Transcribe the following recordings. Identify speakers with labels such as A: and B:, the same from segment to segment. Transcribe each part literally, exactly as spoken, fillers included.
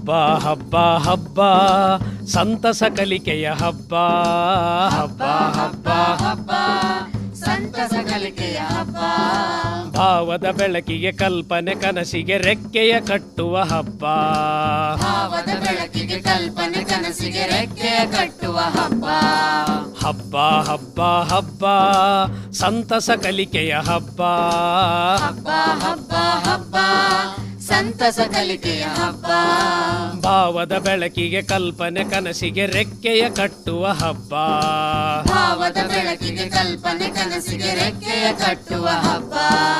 A: ಹಬ್ಬ ಹಬ್ಬ ಹಬ್ಬ ಸಂತಸ ಕಲಿಕೆಯ ಹಬ್ಬ ಹಬ್ಬ ಹಬ್ಬ
B: ಹಬ್ಬ ಸಂತಸ ಕಲಿಕೆಯ ಹಬ್ಬ
A: ಭಾವದ ಬೆಳಕಿಗೆ ಕಲ್ಪನೆ ಕನಸಿಗೆ ರೆಕ್ಕೆಯ ಕಟ್ಟುವ ಹಬ್ಬ
B: ಭಾವದ ಬೆಳಕಿಗೆ ಕಲ್ಪನೆ ಕನಸಿಗೆ ರೆಕ್ಕೆಯ ಕಟ್ಟುವ ಹಬ್ಬ
A: ಹಬ್ಬ ಹಬ್ಬ ಹಬ್ಬ ಸಂತಸ ಕಲಿಕೆಯ ಹಬ್ಬ
B: ಹಬ್ಬ ಹಬ್ಬ ಹಬ್ಬ ಸಂತಸ ಕಲಿಕೆಯ ಹಬ್ಬ
A: ಭಾವದ ಬೆಳಕಿಗೆ ಕಲ್ಪನೆ ಕನಸಿಗೆ ರೆಕ್ಕೆಯ ಕಟ್ಟುವ ಹಬ್ಬ
B: ಭಾವದ ಬೆಳಕಿಗೆ ಕಲ್ಪನೆ ಕನಸಿಗೆ ರೆಕ್ಕೆಯ ಕಟ್ಟುವ ಹಬ್ಬ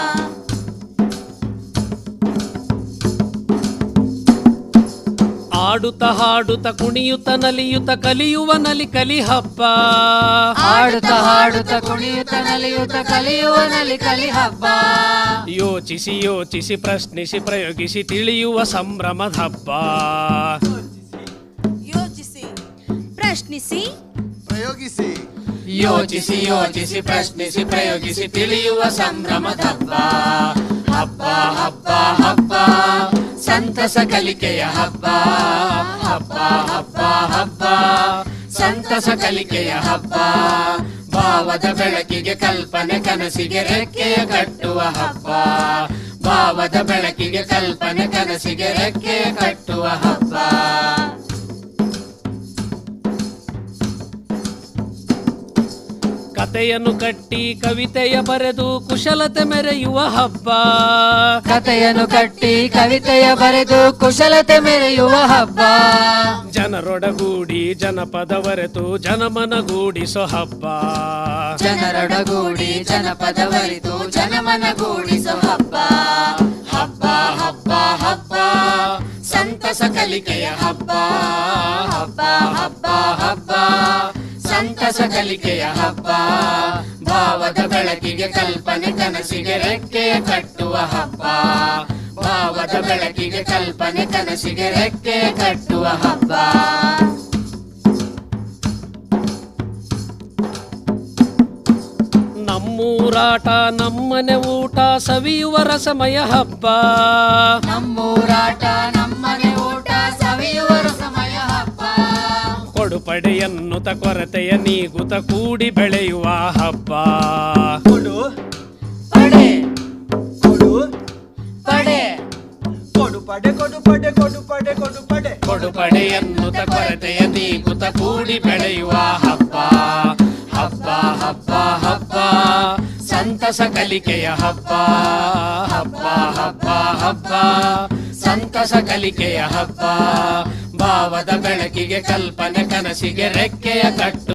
A: ಆಡುತ್ತ ಹಾಡುತ್ತ ಕುಣಿಯುತ್ತ ನಲಿಯುತ್ತ ಕಲಿಯುವ ನಲಿ ಕಲಿ ಹಬ್ಬ
B: ಆಡುತ್ತ ಹಾಡುತ್ತ ಕುಣಿಯುತ್ತ ನಲಿಯುತ್ತ ಕಲಿಯುವ ನಲಿ ಕಲಿ ಹಬ್ಬ
A: ಯೋಚಿಸಿ ಯೋಚಿಸಿ ಪ್ರಶ್ನಿಸಿ ಪ್ರಯೋಗಿಸಿ ತಿಳಿಯುವ ಸಂಭ್ರಮದ ಹಬ್ಬ
C: ಯೋಚಿಸಿ ಪ್ರಶ್ನಿಸಿ
D: ಪ್ರಯೋಗಿಸಿ
B: ಯೋಚಿಸಿ ಯೋಚಿಸಿ ಪ್ರಶ್ನಿಸಿ ಪ್ರಯೋಗಿಸಿ ತಿಳಿಯುವ ಸಂಭ್ರಮದ ಹಬ್ಬ ಹಬ್ಬ ಹಬ್ಬ ಹಬ್ಬ ಸಂತಸ ಕಲಿಕೆಯ ಹಬ್ಬ ಹಬ್ಬ ಹಬ್ಬ ಹಬ್ಬ ಸಂತಸ ಕಲಿಕೆಯ ಹಬ್ಬ ಭಾವದ ಬೆಳಕಿಗೆ ಕಲ್ಪನೆ ಕನಸಿಗೆ ರೆಕ್ಕೆಯ ಕಟ್ಟುವ ಹಬ್ಬ ಭಾವದ ಬೆಳಕಿಗೆ ಕಲ್ಪನೆ ಕನಸಿಗೆ ರೆಕ್ಕೆಯ ಕಟ್ಟುವ ಹಬ್ಬ
A: ಕತೆಯನ್ನು ಕಟ್ಟಿ ಕವಿತೆಯ ಬರೆದು ಕುಶಲತೆ ಮೆರೆಯುವ ಹಬ್ಬ
B: ಕತೆಯನ್ನು ಕಟ್ಟಿ ಕವಿತೆಯ ಬರೆದು ಕುಶಲತೆ ಮೆರೆಯುವ ಹಬ್ಬ
A: ಜನರೊಡಗೂಡಿ ಜನಪದವರೆತು ಜನಮನಗೂಡಿಸೋ ಹಬ್ಬ
B: ಜನರೊಡಗೂಡಿ ಜನಪದವರಿತು ಜನಮನಗೂಡಿಸೋ ಹಬ್ಬ ಹಬ್ಬ ಹಬ್ಬ ಹಬ್ಬ ಸಂತಸ ಕಲಿಕೆಯ ಹಬ್ಬ ಹಬ್ಬ ಹಬ್ಬ ಹಬ್ಬ ಸಂತಸ ಕಲಿಕೆಯ ಹಬ್ಬ ಭಾವದ ಬೆಳಕಿಗೆ ಕಲ್ಪನೆ ಕನಸಿಗೆ ರೆಕ್ಕೆಯ ಕಟ್ಟುವ ಹಬ್ಬ ಭಾವದ ಬೆಳಕಿಗೆ ಕಲ್ಪನೆ ಕನಸಿಗೆ ರೆಕ್ಕೆಯ ಕಟ್ಟುವ ಹಬ್ಬ
A: ನಮ್ಮೂರಾಟ ನಮ್ಮನೆ ಊಟ ಸವಿಯುವ ರಸಮಯ ಹಬ್ಬ
B: ನಮ್ಮೂರಾಟ ನಮ್ಮನೆ ಊಟ ಸವಿಯುವ ರಸಮಯ ಹಬ್ಬ
A: ಕೊಡುಪಡೆಯನ್ನುತ ಕೊರತೆಯ ನೀಗುತ ಕೂಡಿ ಬೆಳೆಯುವ ಹಬ್ಬ
D: ಕೊಡು
B: ಪಡೆ
D: ಕೊಡು
B: ಪಡೆ
D: ಕೊಡು ಪಡೆ ಕೊಡು ಪಡೆ ಕೊಡು ಪಡೆ ಕೊಡು ಪಡೆ
A: ಕೊಡುಪಡೆಯನ್ನುತ ಕೊರತೆಯ ನೀಗುತ ಕೂಡಿ ಬೆಳೆಯುವ ಹಬ್ಬ ಹಬ್ಬ ಹಬ್ಬ ಹಬ್ಬ ಸಂತಸ ಕಲಿಕೆಯ ಹಬ್ಬ ಹಬ್ಬ ಹಬ್ಬ ಹಬ್ಬ ಸಂತಸ ಕಲಿಕೆಯ ಹಬ್ಬ ಭಾವದ ಬೆಳಕಿಗೆ ಕಲ್ಪನೆ ಕನಸಿಗೆ ರೆಕ್ಕೆಯ ಕಟ್ಟು